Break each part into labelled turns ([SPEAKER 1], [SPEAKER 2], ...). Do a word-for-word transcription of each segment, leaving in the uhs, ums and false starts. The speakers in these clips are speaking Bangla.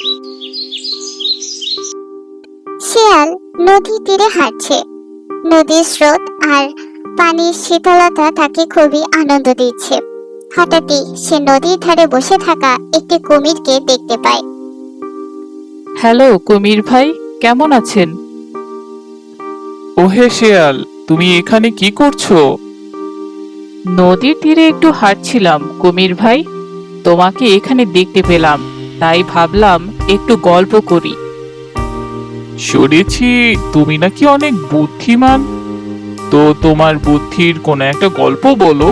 [SPEAKER 1] শিয়াল নদী তীরে হাঁটছে। নদীর স্রোত আর পানির শীতলতা তাকে খুবই আনন্দ দিচ্ছে। হঠাৎই সে নদীর ধারে বসে থাকা একটি কুমিরকে দেখতে পায়।
[SPEAKER 2] হ্যালো কুমির ভাই, কেমন আছেন?
[SPEAKER 3] ওহে শেয়াল, তুমি এখানে কি করছো?
[SPEAKER 2] নদীর তীরে একটু হাঁটছিলাম কুমির ভাই, তোমাকে এখানে দেখতে পেলাম, তাই ভাবলাম একটু গল্প করি।
[SPEAKER 3] শুনেছি তুমি নাকি অনেক বুদ্ধিমান। তো তোমার বুদ্ধির কোনো একটা গল্প বলো।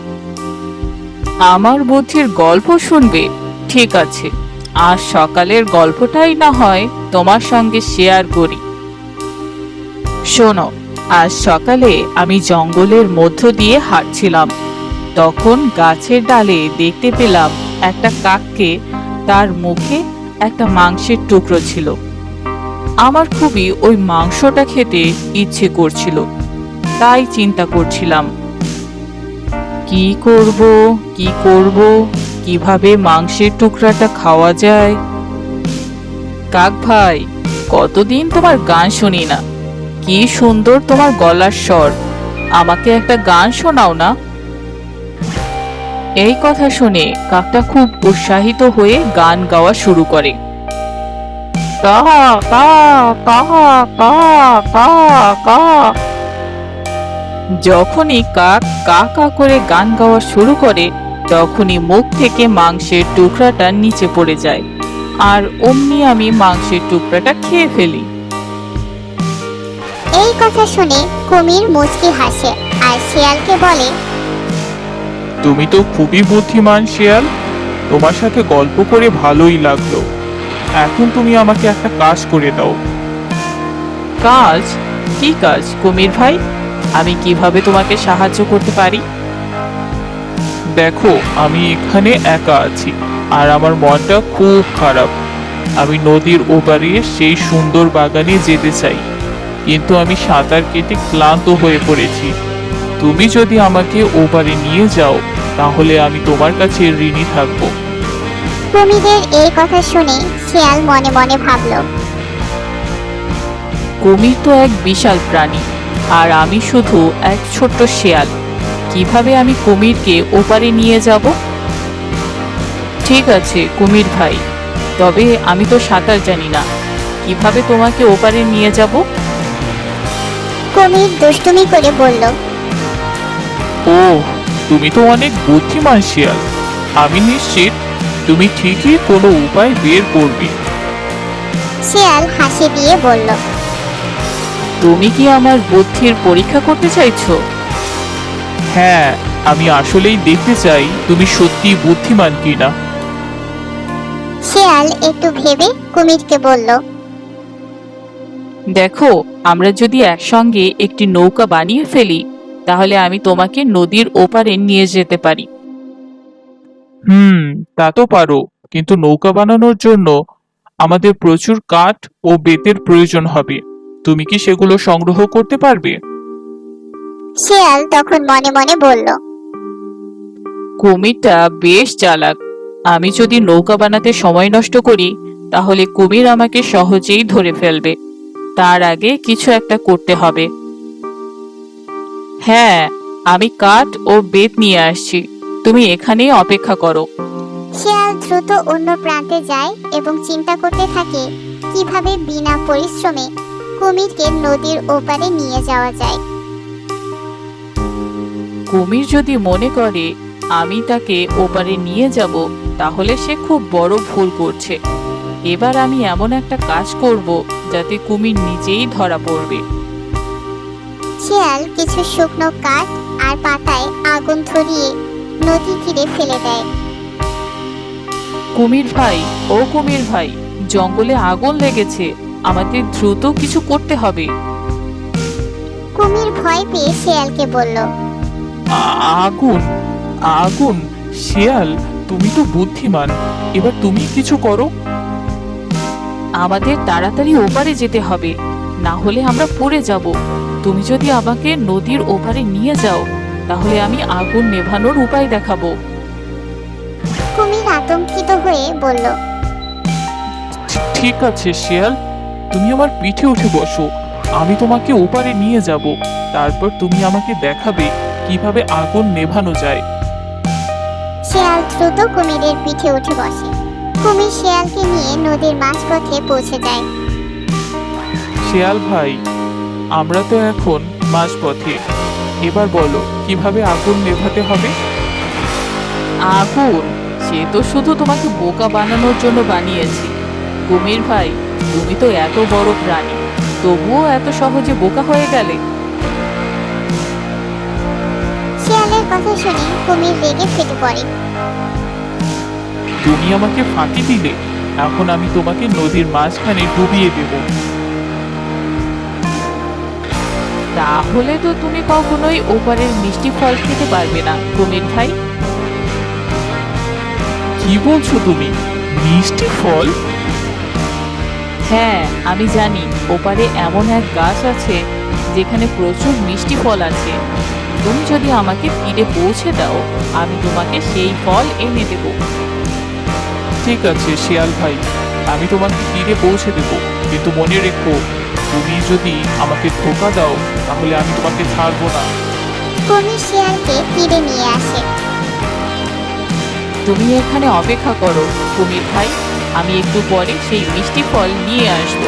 [SPEAKER 2] আমার বুদ্ধির গল্প শুনবে? ঠিক আছে, আজ সকালের গল্পটাই না হয় তোমার সঙ্গে শেয়ার করি। শোনো, আজ সকালে আমি জঙ্গলের মধ্য দিয়ে হাঁটছিলাম। তখন গাছের ডালে দেখতে পেলাম একটা কাককে, তার মুখে একটা মাংসের টুকরো ছিল। আমার খুবই ওই মাংসটা খেতে ইচ্ছে করছিল, তাই চিন্তা করছিলাম কি করব কি করব কিভাবে মাংসের টুকরাটা খাওয়া যায়। কাক ভাই, কতদিন তোমার গান শুনি না, কি সুন্দর তোমার গলার স্বর, আমাকে একটা গান শোনাও না। এই কথা শুনে কাকটা খুব উৎসাহিত হয়ে গান গাওয়া শুরু করে। কা কা কা কা কা কা। যখনই কাক কা কা করে গান গাওয়া শুরু করে, তখনই মুখ থেকে মাংসের টুকরাটা নিচে পড়ে যায়, আর অমনি আমি মাংসের টুকরাটা খেয়ে ফেলি।
[SPEAKER 1] এই কথা শুনে কুমির মুচকি হাসে আর শিয়ালকে বলে,
[SPEAKER 3] তুমি তো খুবই বুদ্ধিমান শেয়াল, তোমার সাথে গল্প করে ভালোই লাগলো। এখন তুমি আমাকে একটা কাজ করে দাও।
[SPEAKER 2] কাজ? কি কাজ কুমির ভাই? আমি কিভাবে তোমাকে সাহায্য করতে পারি?
[SPEAKER 3] দেখো, আমি এখানে একা আছি আর আমার মনটা খুব খারাপ। আমি নদীর ওপারে সেই সুন্দর বাগানে যেতে চাই, কিন্তু আমি সাঁতার কেটে ক্লান্ত হয়ে পড়েছি। তুমি যদি আমাকে ওপারে নিয়ে যাও, তাহলে আমি তোমার কাছে ঋণী থাকবো।
[SPEAKER 1] কুমিরের এই কথা শুনে শিয়াল মনে মনে ভাবল,
[SPEAKER 2] কুমির তো এক বিশাল প্রাণী, আর আমি শুধু এক ছোট্ট শেয়াল। কিভাবে আমি কুমিরকে ওপারে নিয়ে যাব? ঠিক আছে কুমির ভাই, তবে আমি তো সাঁতার জানি না, কিভাবে তোমাকে ওপারে নিয়ে যাব?
[SPEAKER 1] কুমির দুষ্টুমি করে বলল,
[SPEAKER 3] ও, তুমি তো অনেক বুদ্ধিমান শিয়াল। আমি নিশ্চিত তুমি ঠিকই কোনো উপায় বের করবে।
[SPEAKER 1] শিয়াল হাসি দিয়ে বলল,
[SPEAKER 2] তুমি কি আমার বুদ্ধির পরীক্ষা করতে চাইছো?
[SPEAKER 3] হ্যাঁ, আমি আসলেই দেখতে চাই তুমি সত্যি বুদ্ধিমান কিনা।
[SPEAKER 1] শিয়াল একটু ভেবে কুমিরকে বলল,
[SPEAKER 2] দেখো, আমরা যদি একসঙ্গে একটি নৌকা বানিয়ে ফেলি, তাহলে আমি তোমাকে নদীর ওপারে নিয়ে যেতে পারি।
[SPEAKER 3] হুম, তা তো পারো, কিন্তু নৌকা বানানোর জন্য আমাদের প্রচুর কাঠ ও বেতের প্রয়োজন হবে। তুমি কি সেগুলো সংগ্রহ করতে পারবে?
[SPEAKER 1] শিয়াল তখন মনে মনে বলল,
[SPEAKER 2] কুমিরটা বেশ চালাক। আমি যদি নৌকা বানাতে সময় নষ্ট করি, তাহলে কুমির আমাকে সহজেই ধরে ফেলবে। তার আগে কিছু একটা করতে হবে। হ্যাঁ, আমি কাঠ ও বেত নিয়ে আসছি, তুমি এখানেই অপেক্ষা করো।
[SPEAKER 1] শিয়াল দ্রুত অন্য প্রান্তে যায় এবং চিন্তা করতে থাকে কিভাবে বিনা পরিশ্রমে কুমিরকে নদীর ওপারে নিয়ে যাওয়া যায়।
[SPEAKER 2] কুমির যদি মনে করে আমি তাকে ওপারে নিয়ে যাব, তাহলে সে খুব বড় ভুল করছে। এবার আমি এমন একটা কাজ করব যাতে কুমির নিজেই ধরা পড়বে।
[SPEAKER 1] শিয়াল কিছু শুকনো কাঠ আর পাতায় আগুন ধরিয়ে নদী তীরে ফেলে দেয়।
[SPEAKER 2] কুমির ভাই, ও কুমির ভাই, জঙ্গলে আগুন লেগেছে, আমাদের দ্রুত কিছু করতে হবে।
[SPEAKER 1] কুমির ভয় পেয়ে শিয়ালকে বলল,
[SPEAKER 3] আ- আগুন? আগুন? শিয়াল, তুমি তো বুদ্ধিমান, এবার তুমি কিছু করো।
[SPEAKER 2] আমাদের তাড়াতাড়ি ওপারে যেতে হবে, না হলে আমরা পড়ে যাব। তুমি যদি আমাকে নদীর ওপারে নিয়ে যাও, তাহলে আমি আগুন নেভানোর উপায় দেখাবো।
[SPEAKER 1] কুমির আতঙ্কিত হয়ে বলল,
[SPEAKER 3] ঠিক আছে শিয়াল, তুমি আমার পিঠে উঠে বসো, আমি তোমাকে ওপারে নিয়ে যাব, তারপর তুমি আমাকে দেখাবে কিভাবে আগুন নেভানো যায়।
[SPEAKER 1] শিয়াল দ্রুত কুমিরের পিঠে উঠে বসে। কুমির শিয়ালকে নিয়ে নদীর মাঝপথে পৌঁছে যায়।
[SPEAKER 3] শিয়াল ভাই, আমরা তো এখন মাঝপথে, এবার বলো কিভাবে আগুন নেভাতে হবে।
[SPEAKER 2] আগুন? সে তো শুধু তোমাকে বোকা বানানোর জন্য বানিয়েছি। কুমির ভাই, তুমি তো এত বড় প্রাণী, তবুও এত সহজে বোকা হয়ে গেলে।
[SPEAKER 1] শিয়ালের কথা শুনে কুমির রেগে ফেটে পড়ে।
[SPEAKER 3] তুমি আমাকে ফাঁকি দিলে, এখন আমি তোমাকে নদীর মাঝখানে ডুবিয়ে দেব।
[SPEAKER 2] তাহলে তো তুমি কখনোই ওপারের মিষ্টি ফল খেতে পারবে না কুমির ভাই।
[SPEAKER 3] কি বলছো তুমি? মিষ্টি ফল?
[SPEAKER 2] হ্যাঁ, আমি জানি ওপারে এমন এক গাছ আছে যেখানে প্রচুর মিষ্টি ফল আছে। তুমি যদি আমাকে তীরে পৌঁছে দাও, আমি তোমাকে সেই ফল এনে দেব।
[SPEAKER 3] ঠিক আছে শিয়াল ভাই, আমি তোমাকে তীরে পৌঁছে দেব, কিন্তু মনে রেখো, তুমি যদি আমাকে ধোকা দাও তাহলে আমি তোমাকে ছাড়বো না।
[SPEAKER 1] কুমির শিয়ালকে তীরে নিয়ে আসে।
[SPEAKER 2] তুমি এখানে অপেক্ষা করো কুমির ভাই, আমি একটু পরে সেই মিষ্টি ফল নিয়ে আসবো।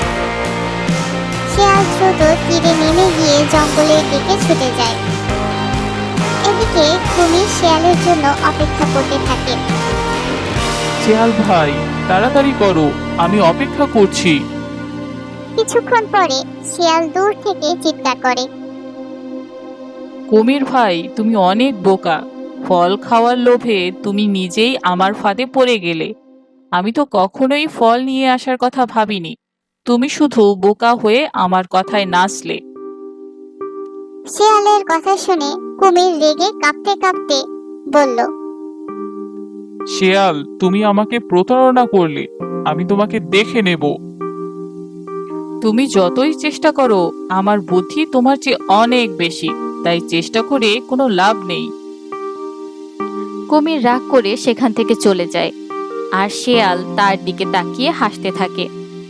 [SPEAKER 1] শিয়াল দ্রুত তীরে নেমে গিয়ে জঙ্গলের দিকে ছুটে যায়। এদিকে কুমির শিয়ালের জন্য অপেক্ষা করতে থাকে।
[SPEAKER 3] শিয়াল ভাই, তাড়াতাড়ি করো, আমি অপেক্ষা করছি।
[SPEAKER 1] কিছুক্ষণ পরে শিয়াল দূর থেকে চিৎকার করে।
[SPEAKER 2] কুমির ভাই, তুমি অনেক বোকা। ফল খাওয়ার লোভে তুমি নিজেই আমার ফাঁদে পড়ে গেলে। আমি তো কখনোই ফল নিয়ে আসার কথা ভাবিনি। তুমি শুধু বোকা হয়ে আমার কথায় নাচলে।
[SPEAKER 1] শিয়ালের কথা শুনে কুমির রেগে কাঁপতে কাঁপতে বলল,
[SPEAKER 3] শিয়াল, তুমি আমাকে প্রতারণা করলে, আমি তোমাকে দেখে নেব।
[SPEAKER 2] তুমি যতই চেষ্টা করো, আমার বুদ্ধি তোমার চেয়ে অনেক বেশি, তাই চেষ্টা করে কোনো লাভ নেই।
[SPEAKER 4] কুমির রাগ করে সেখান থেকে চলে যায়, আর শেয়াল তার দিকে তাকিয়ে হাসতে থাকে।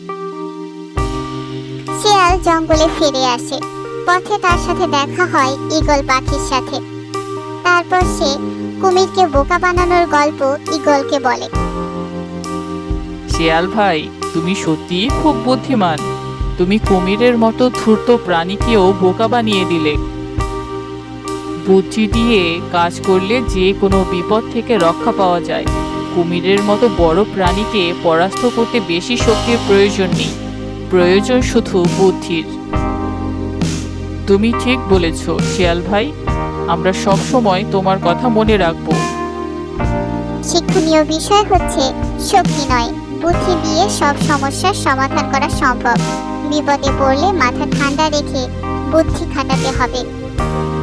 [SPEAKER 1] শিয়াল জঙ্গলে ফিরে আসে। পথে তার সাথে দেখা হয় ঈগল পাখির সাথে। তারপর সে কুমিরকে বোকা বানানোর গল্প ঈগলকে বলে।
[SPEAKER 2] শিয়াল ভাই, তুমি সত্যিই খুব বুদ্ধিমান। তুমি কুমিরের মতো ধূর্ত প্রাণীকেও বোকা বানিয়ে দিলে। বুদ্ধি দিয়ে কাজ করলে যে কোনো বিপদ থেকে রক্ষা পাওয়া যায়। কুমিরের মতো বড় প্রাণীকে পরাস্ত করতে বেশি শক্তির প্রয়োজন নেই, প্রয়োজন শুধু বুদ্ধির। তুমি ঠিক বলেছ শিয়াল ভাই, আমরা সব সময় তোমার কথা মনে রাখবো।
[SPEAKER 1] শিক্ষণীয় বিষয় হচ্ছে, শক্তি নয়, বুদ্ধি দিয়ে সব সমস্যার সমাধান করা সম্ভব। বিপদে পড়লে মাথা ঠান্ডা রেখে বুদ্ধি খাটাতে হবে।